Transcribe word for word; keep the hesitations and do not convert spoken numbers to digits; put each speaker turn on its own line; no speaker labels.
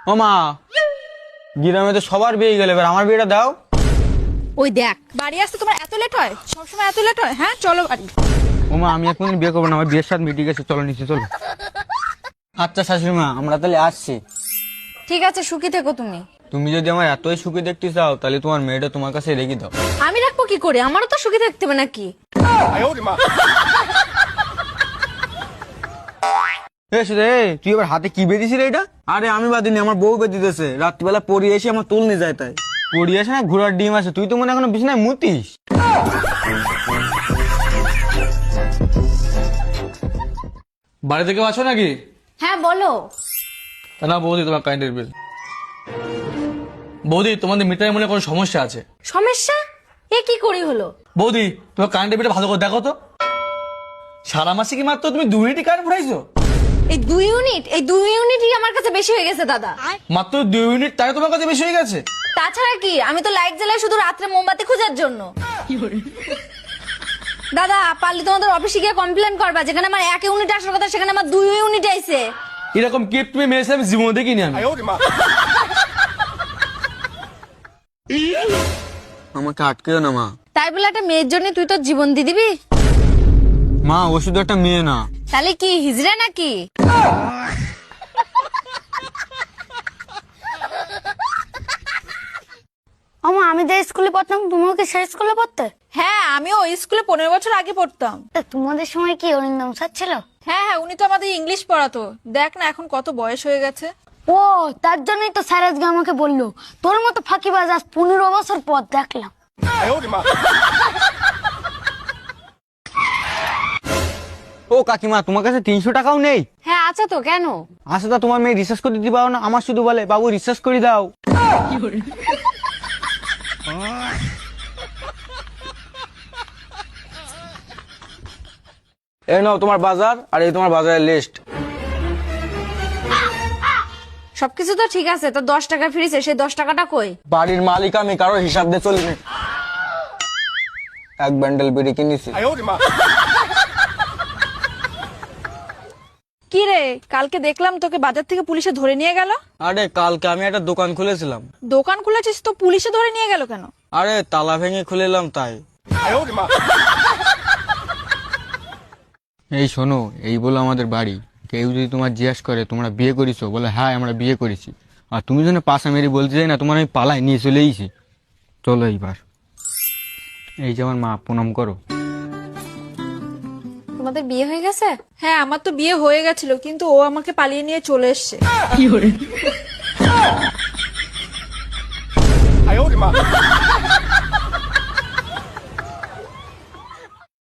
ও মা, গ্রামে তো সবার বিয়ে গেলে, এবার আমার বিয়েটা দাও।
ওই দেখ, বাড়ি আসতে তোমার এত লেট হয়? সবসময় এত লেট হয়? হ্যাঁ চলো বাড়ি।
ও মা, আমি এখন বিয়ে করবো না, আমার বিয়ের সাথে মিটে গেছে, চলো নিচে চলো। আচ্ছা শাশুড়ি মা, আমরা তাহলে আসছি।
ঠিক আছে, সুখী থেকো তুমি।
তুমি যদি আমার এতই সুখী দেখতে চাও, তাহলে তোমার মেয়েটা তোমার কাছে রেখে দাও।
আমি রাখবো কি করে? আমারও তো সুখী থাকতে হবে নাকি?
এ সুধে, তুই এবার হাতে কি বেঁধেছিস রে এটা? আরে আমি বাদিনি, আমার বউ বেঁধে দিতেছে। রাত্রিবেলা পড়ি এসে আমার তুল নিয়ে যায়, তাই পড়ি আসে না, ঘোড়ার ডিম আছে। তুই তো মনে হয় এখনো বিছানায় মুতিস।
বাড়ি থেকে আছো নাকি?
হ্যাঁ বলো।
তা না বৌদি, তোমার কারেন্টের বিল। বৌদি, তোমাদের মিটারের মনে কোনো সমস্যা আছে।
সমস্যা? এ কি করি হলো?
বৌদি, তোমার কারেন্টের বিলটা ভালো করে দেখো তো। সারা মাসে কি মাত্র তুমি দুই ইউনিট কারেন্ট ভরাইছো?
এই দুই ইউনিট এই দুই ইউনিটই আমার কাছে বেশি হয়ে গেছে দাদা।
মাত্র দুই ইউনিট, তাই তোমার কাছে বেশি হয়ে গেছে?
তাছাড়া কি, আমি তো লাইট জ্বালাই শুধু রাত্রে মোমবাতি খোঁজার জন্য। দাদা পারলে তোমাদের অফিসে গিয়ে কমপ্লেন করবা, যেখানে আমার এক ইউনিট আসার কথা সেখানে আমার দুই ইউনিট আইছে।
এরকম কেপ তুমি মেরেছে আমি জীবনে দেখিনি আমি।
আমাকে আটকেও না মা।
তাই বলে একটা মেয়ের জন্য তুই তোর জীবন দিয়ে দিবি?
মা, ও শুধু একটা মেয়ে না।
তাহলে কি হিজড়া নাকি?
আমা আমি যে স্কুলে পড়তাম তুমিও কি সেই স্কুলে পড়তে?
হ্যাঁ, আমিও ওই স্কুলে পনেরো বছর আগে পড়তাম।
তা তোমাদের সময় কি অরিন্দম স্যার ছিল?
হ্যাঁ হ্যাঁ, উনি তো আমাদের ইংলিশ পড়াতো। দেখ না এখন কত বয়স হয়ে গেছে।
ও তার জন্যই তো স্যার আজকে আমাকে বললো তোর মতো ফাঁকিবাজ আজ পনেরো বছর পর দেখলাম।
ও কাকিমা, তোমার কাছে তিনশো টাকাও নেই?
হ্যাঁ আছে তো, কেন?
আচ্ছা, তা তোমার মেয়ে রিসার্চ করতে দিতে পারো না? আমার শুধু বলে বাবু রিসার্চ করে দাও। এই নাও তোমার বাজার, আর এই তোমার বাজারের লিস্ট।
সবকিছু তো ঠিক আছে, তো দশ টাকা ফিরেছে, সেই দশ টাকাটা কই?
বাড়ির মালিক আমি, কারো হিসাব দিয়ে চলিনি। এক ব্যান্ডেল বিড়ি কিনেছি।
কি রে, কালকে দেখলাম তোকে বাজার থেকে পুলিশে ধরে নিয়ে গেল।
আরে কালকে আমি একটা দোকান খুলেছিলাম।
দোকান খুলেছিস তো পুলিশে ধরে নিয়ে গেল কেন?
আরে তালা ভেঙে খুলেলাম তাই। এই শোনো, এই বলো আমাদের বাড়ি। কেউ যদি তোমার জিজ্ঞাসা করে তোমরা বিয়ে করেছো, বলে হ্যাঁ আমরা বিয়ে করেছি, আর তুমি যেন পাশা মেরে বলতে যাই না তোমার আমি পালাই নিয়ে চলে এসেছি। চলো এইবার। এই যে আমার মা, প্রণাম করো।
তোমাদের বিয়ে হয়ে গেছে? হ্যাঁ, আমার তো বিয়ে হয়ে গেছিল, কিন্তু ও আমাকে পালিয়ে নিয়ে চলে এসছে।
哎呦我的妈！